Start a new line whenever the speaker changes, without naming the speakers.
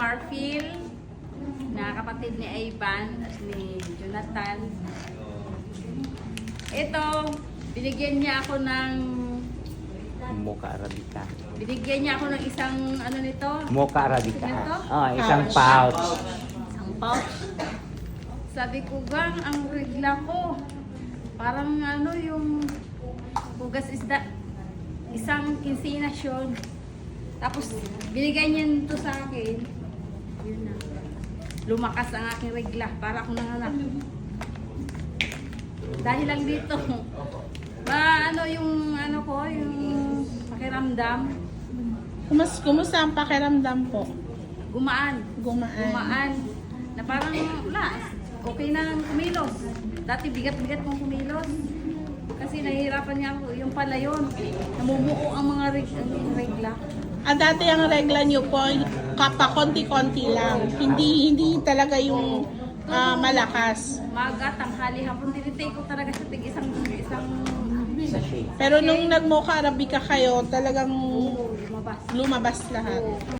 Marfil, na kapatid ni Ivan at ni Jonathan. Ito, binigyan niya ako ng
Mocha Arabica.
binigyan niya ako ng isang ano nito.
Mocha Arabica.
Ito?
Oh, isang pouch.
Isang pouch. Sabi ko, gang, ang regla ko. Parang ano yung hugas isda. Isang kinsinas yun. Tapos, binigay niya nito sa akin. Yun na. Lumakas ang aking regla. Para akong nanganak. Dahil lang dito. Ano yung ano ko, yung pakiramdam.
Kumusta ang pakiramdam po?
Gumaan.
Gumaan.
Gumaan. Na parang wala. Okay na kumilos. Dati bigat-bigat kong kumilos. Kasi nahihirapan niya ako. Yung pala yun. Namumuo ang mga regla.
Dati ang regla niyo po, konti-konti lang. Hindi talaga yung malakas.
Maga, tanghali, hapon. Tinitake ko talaga sa tig isang
Sachet.
Pero nung nag-Mocha Arabica kayo, talagang
lumabas.
lumabas lahat.